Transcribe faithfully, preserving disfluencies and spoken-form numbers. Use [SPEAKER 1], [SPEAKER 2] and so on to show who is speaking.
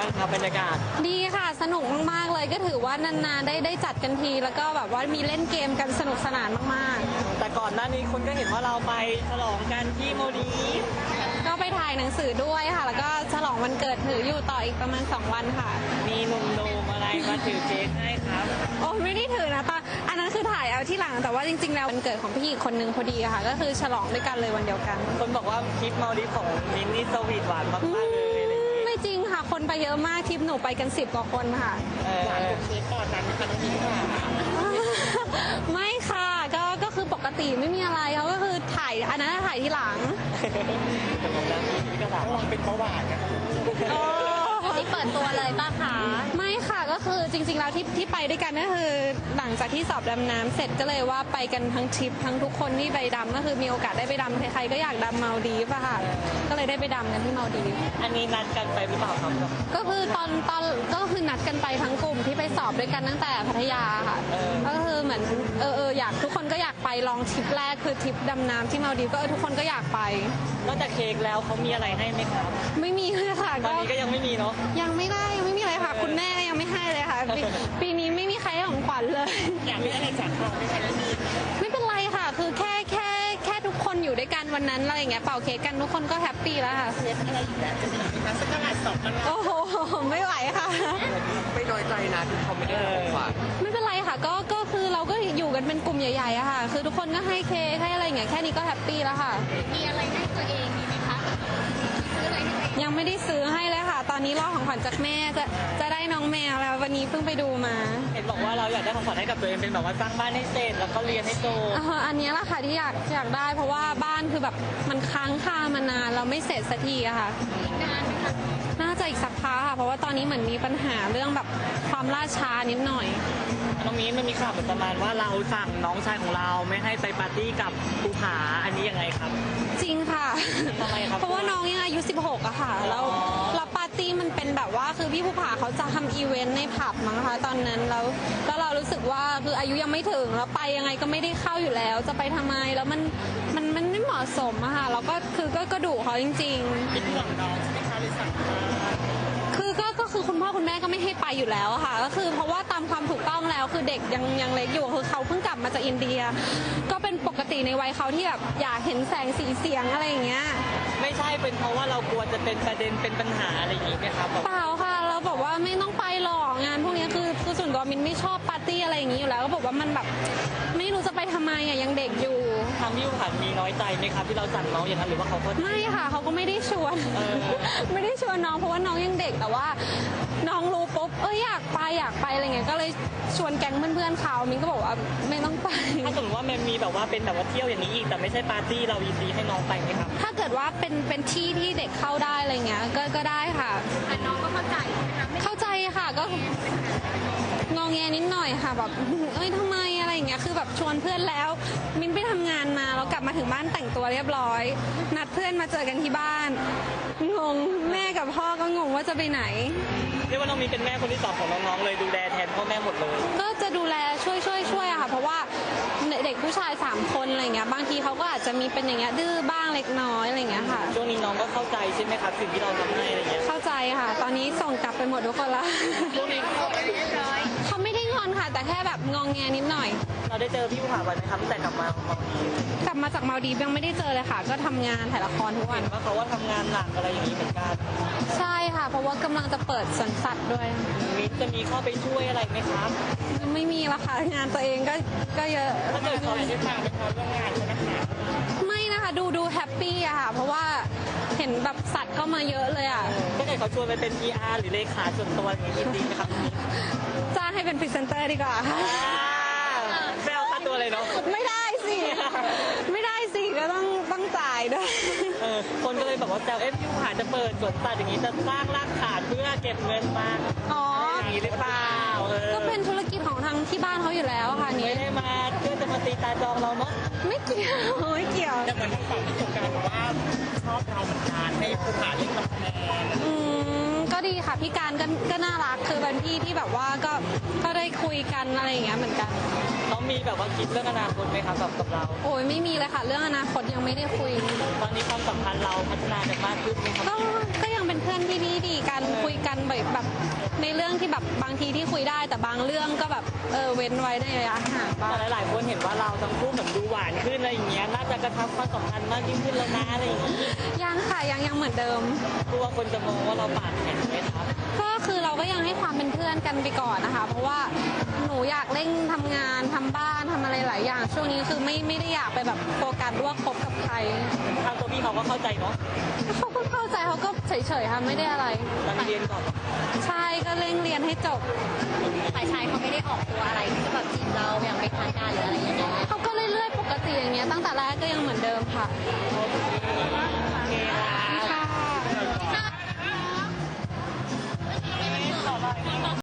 [SPEAKER 1] บ้างครับบรรยากาศ
[SPEAKER 2] ดีค่ะสนุกมากๆเลยก็ถือว่านานๆได้ได้จัดกันทีแล้วก็แบบว่ามีเล่นเกมกันสนุกสนานมาก
[SPEAKER 1] ๆแต่ก่อนหน้านี้คนก็เห็นว่าเราไปฉลองกันที่โมดีฟ
[SPEAKER 2] ก็ไปถ่ายหนังสือด้วยค่ะแล้วก็ฉลองวันเกิดถืออยู่ต่ออีกประมาณสองวันค่ะ
[SPEAKER 1] มีหนุ่มๆอะไรมาถือเค้กให้ครับ
[SPEAKER 2] โอ้ไม่ได้ถือนะตอนอันนั้นคือถ่ายเอาที่หลังแต่ว่าจริงๆแล้ววันเกิดของพี่อีกคนนึงพอดีค่ะก็คือฉลองด้วยกันเลยวันเดียวกัน
[SPEAKER 1] คนบอกว่าทริปโมดีฟของมินนี่สวีทหวานมากๆเลย
[SPEAKER 2] ไม่จริงค่ะคนไปเยอะมากทริปหนูไปกันสิบกว่าคนค่ะ
[SPEAKER 1] หวานกับเค้กก่อนนั้นค่ะน้องมิ้นค่ะ
[SPEAKER 2] ไม่ค่ะก็ก็คือปกติไม่มีอะไรเขาก็คือถ่ายอันนั้นถ่ายที่หลัง
[SPEAKER 1] แต่ผมนะพี่ก็ถามว่าเป็นเบาหวานนะ
[SPEAKER 2] ที่เปิดตัวเลยป้าคะไม่ค่ะก็คือจริงๆแล้วที่ที่ไปด้วยกันก็คือหลังจากที่สอบดำน้ำเสร็จก็เลยว่าไปกันทั้งทริปทั้งทุกคนที่ไปดำก็คือมีโอกาสได้ไปดำใครๆก็อยากดำมาลดีฟอะค่ะก็เลยได้ไปดำกันที่มาลดีฟ
[SPEAKER 1] อันนี้นัดกันไปหรือเปล่าครับ
[SPEAKER 2] ก็คือตอนตอนก็คือนัดกันไปทั้งกลุ่มที่ไปสอบด้วยกันตั้งแต่พัทยาค่ะก็คือเหมือนเออเอออยากทุกคนก็อยากไปลองทริปแรกคือทริปดำน้ำที่มาลดีฟก็เออทุกคนก็อยากไป
[SPEAKER 1] นอกจากเค้กแล้วเขามีอะไรให้ไหมครับ
[SPEAKER 2] ไม่มีเลยค่ะ
[SPEAKER 1] ตอนนี้ก็ยังไม่มีเนาะ
[SPEAKER 2] ยังไม่ได้ยังไม่มีอะไรค่ะคุณแม่ยังไม่ให้เลยค่ะปีนี้ไม่มีใครให้ของขวัญเลย
[SPEAKER 1] อยากได้อะไรจากเขาไม่ใช่ไม่มี
[SPEAKER 2] ไม่เป็นไรค่ะคือแค่แค่แค่ทุกคนอยู่ด้วยกันวันนั้นอะไรอย่างเงี้ยเป่าเค้กกันทุกคนก็แฮปปี้แล้วค่ะ
[SPEAKER 1] เค้กอะไรอีกแล้วจะมีนักสักการะสอบมัน
[SPEAKER 2] โอ้โหไม่ไหวค่ะ
[SPEAKER 1] ไม่น้อยใจนะที่เขาไม่ได้ของขวัญ
[SPEAKER 2] ไม่เป็นไรค่ะก็ก็คือเราก็อยู่กันเป็นกลุ่มใหญ่ๆอะค่ะคือทุกคนก็ให้เค้กให้อะไรอย่างเงี้ยแค่นี้ก็แฮปปี้แล้วค่ะ
[SPEAKER 3] มีอะไรให้ตัวเองมีไหมคะซื้ออะไรให้
[SPEAKER 2] ยังไม่ได้ซื้อให้เลยค่ะตอนนี้รอของขวัญจากแม่จะจะได้น้องแมวแล้ววันนี้เพิ่งไปดูมา
[SPEAKER 1] เห็นบอกว่าเราอยากได้ของขวัญให้กับตัวเองเป็นแบบว่าสร้างบ้านให้เสร็จแล้วก็เรียนให้โต
[SPEAKER 2] อันนี้แหละค่ะที่อยากอยากได้เพราะว่าบ้านคือแบบมันค้างคามานานเราไม่เสร็จสักทีอะค่ะ
[SPEAKER 3] นานไหมคะ
[SPEAKER 2] น่าจะอีกสักพักค่ะเพราะว่าตอนนี้เหมือนมีปัญหาเรื่องแบบความล่าช้านิดหน่อย
[SPEAKER 1] น้องมิ้นมันมีข่าวประมาณว่าเราสั่งน้องชายของเราไม่ให้ไปปาร์ตี้กับภูผาอันนี้ยังไงครับ
[SPEAKER 2] จริงค่ะ
[SPEAKER 1] ทำไมครับ
[SPEAKER 2] เพราะว่าน้องยังอายุสิบหกอะค่ะแล้วแล้วปาร์ตี้มันเป็นแบบว่าคือพี่ภูผาเขาจะทำอีเวนต์ในผับมั้งคะตอนนั้นแล้วแล้วเรารู้สึกว่าคืออายุยังไม่ถึงแล้วไปยังไงก็ไม่ได้เข้าอยู่แล้วจะไปทำไมแล้วมันมันมันไม่เหมาะสมอะค่ะแล้วก็คือก็กระดูกเขาจริง
[SPEAKER 1] ๆเป็นห่วงน้องใช่ไหมคะเลยสั่ง
[SPEAKER 2] คือก็ก็คือคุณพ่อคุณแม่ก็ไม่ให้ไปอยู่แล้วค่ะก็คือเพราะว่าตามความถูกต้องแล้วคือเด็กยังยังเล็กอยู่คือเขาเพิ่งกลับมาจากอินเดียก็เป็นปกติในวัยเขาที่แบบอยากเห็นแสงสีเสียงอะไรอย่างเงี้ย
[SPEAKER 1] ไม่ใช่เป็นเพราะว่าเรากลัวจะเป็นประเด็นเป็นปัญหาอะไรอย่างงี้ไหมครับ
[SPEAKER 2] เปล่าค่ะเราบอกว่าไม่ต้องไปหรอกงานพวกนี้คือคือส่วนตัวมินไม่ชอบปาร์ตี้อะไรอย่างงี้อยู่แล้วก็บอกว่ามันแบบไม่รู้จะไปทำไมอ่ะยังเด็กอยู่
[SPEAKER 1] ทางพี่ผ่านมีน้อยใจไหมครับที่เราสั่งน้องอย่างนั้นหรือว่าเขาก็
[SPEAKER 2] ไม่ค่ะเขาก็ไม่ได้ชวนไม่ได้ชวนน้องเพราะว่าน้องยังเด็กแต่ว่าน้องรู้ปุ๊บเอ้ยอยากไปอยากไปอะไรเงี้ยก็เลยชวนแก๊งเพื่อนๆเขามินก็บอกว่าไม่ต้องไป
[SPEAKER 1] ถ้าสมมติว่ามันมีแบบว่าเป็นแบบว่าเที่ยวอย่างนี้อีกแต่ไม่ใช่ปาร์ตี้เรายินดีให้น้องไปไหมครับ
[SPEAKER 2] ถ้าเกิดว่าเป็นเป็นที่ที่เด็กเข้าได้อะไรเงี้ยก็ก็ได้ค่ะ
[SPEAKER 3] แต่น้องก็เข้าใจใช่ไหมคะ
[SPEAKER 2] เข้าใจค่ะก็งองแงนิดหน่อยค่ะแบบเอ้ยทำไมอะไรอย่างเงี้ยคือแบบชวนเพื่อนแล้วมินไปทำงานมาแล้วกลับมาถึงบ้านแต่งตัวเรียบร้อยนัดเพื่อนมาเจอกันที่บ้านงงแม่กับพ่อก็งงว่าจะไปไหน
[SPEAKER 1] เรียกว่าน้องมีเป็นแม่คนที่สองของน้องๆเลยดูแลแทนพ่อแม่หมดเลย
[SPEAKER 2] ก็จะดูแลช่วยช่วยช่วยอะค่ะเพราะว่าเด็กผู้ชายสามคนอะไรเงี้ยบางทีเขาก็อาจจะมีเป็นอย่างเงี้ยดื้อบ้างเล็กน้อยอะไรเงี้ยค่ะ
[SPEAKER 1] ช่วงนี้น้องก็เข้าใจใช่ไหมครับสิ่งที่เราทำให้อะไรเงี้ย
[SPEAKER 2] เข้าใจค่ะตอนนี้ส่งกลับไปหมดทุกคนละ
[SPEAKER 1] ช่วงนี้เขาไม่ได้
[SPEAKER 2] เขาไม่ได้งอนค่ะแต่แค่แบบงองแงนิดหน่อย
[SPEAKER 1] เราได้เจอพี่ภูผาบ่อยไหมครับตั้งแต่กลับมาของมาดี
[SPEAKER 2] กลับมาจากมาดียังไม่ได้เจอเลยค่ะก็ทำงานถ่ายละครทุกวัน
[SPEAKER 1] ว่าเขาว่าทำงานหนักอะไรอย่างนี้เหมือนกัน
[SPEAKER 2] ใช่ค่ะเพราะว่ากำลังจะเปิดสวนสัตว์ด้วย
[SPEAKER 1] มิ้นจะมีเข้าไปช่วยอะไรไหมครับ
[SPEAKER 2] ไม่มีละค่ะงานตัวเองก็ก็เยอะ
[SPEAKER 1] ถ้าเกิดเขาได้ฟังเป็นความร่วมงานใช่ไหมคะ
[SPEAKER 2] ไม่นะคะดูดูแฮปปี้อะค่ะเพราะว่าเห็นแบบสัตว์เข้ามาเยอะเลยอะ
[SPEAKER 1] ถ้าเกิดเขาชวนไปเป็น พี อาร์ หรือเลขาส่วนตัวอย่างนี้ดีไหมครับ
[SPEAKER 2] จ้างให้เป็นพรีเซนเตอร์ดีกว่า
[SPEAKER 1] แซวค่าตัวเลยเนาะ
[SPEAKER 2] ไม่ได้สิไม่ได้สิก็ต้องต้องจ่ายด้วย
[SPEAKER 1] เออคนก็เลยบอกว่าแซวเอฟยูหาจะเปิดสวนสัตว์อย่างนี้จะสร้างรากฐานเพื่อเก็บเงินมา
[SPEAKER 2] อ๋อ
[SPEAKER 1] อย่างนี้หรือเปล่า
[SPEAKER 2] ก็เป็นธุรกิจของทางที่บ้านเขาอยู่แล้วค่ะนี้
[SPEAKER 1] ไม่ได้มาเพื่อจะมาตีตาจองเราเนาะ
[SPEAKER 2] ไม่เกี่ยวไม่เกี่ยว
[SPEAKER 1] แต่เหมือนทางฝั่งที่สงการบอกว่าชอบเราเหมือนกันให้ภูผาเล่นกับแม่
[SPEAKER 2] อืมก็ดีค่ะพี่การก็ก็น่ารักคือเป็นพี่ที่แบบว่าก็ก็ได้คุยกันอะไรอย่างเงี้ยเหมือนกัน
[SPEAKER 1] น้องมีแบบว่าคิดเรื่องอนาคตไหมครับกับกับเรา
[SPEAKER 2] โอ้ยไม่มีเลยค่ะเรื่องอนาคตยังไม่ได้คุย
[SPEAKER 1] ตอนนี้ความสัมพันธ์เราพัฒนากันมากขึ้นไหมครับ
[SPEAKER 2] ก็ก็ยังเป็นเพื่อนที่ดีดีกันคุยกันแบบแบบในเรื่องที่แบบบางทีที่คุยได้แต่บางเรื่องก็แบบเออเว้นไว้ในระยะห่างบ้าง
[SPEAKER 1] แต่หลายๆคนเห็นว่าเราทั้งคู่เหมือนดูหวานขึ้นอะไรอย่างเงี้ยน่าจะกระชับความสัมพันธ์มากยิ่งขึ้นแล้วนะอะไรอย่างเงี้ย
[SPEAKER 2] ยังค่ะยังยังเหมือนเดิม
[SPEAKER 1] กลัวคนจะมองว่าเราปากแข็งไหมครับ
[SPEAKER 2] ก็คือเราก็ยังให้ความเป็นเพื่อนกันไปก่อนนะคะ เพราะว่าหนูอยากเร่งทำงานทำบ้านทำอะไรหลายอย่าง ช่วงนี้คือไม่ไม่ได้อยากไปแบบโฟกัสว่าคบกับใคร
[SPEAKER 1] ทางตัวพี่เขาก็เข้าใจเนาะ
[SPEAKER 2] เขาก็เข้าใจเขาก็เฉยๆค่ะไม่ได้อะไร
[SPEAKER 1] ตั้งเรียนก่อน
[SPEAKER 2] ใช่ก็เร่งเรียนให้จบ
[SPEAKER 3] ฝ่ายชายเขาไม่ได้ออกตัวอะไรที่จะแบบจีบเราอย่างเป็นทางการหรืออะไรอย่างเงี้ย
[SPEAKER 2] เขาก็เรื่อยๆปกติอย่างเงี้ยตั้งแต่แรกก็ยังเหมือนเดิมค่ะ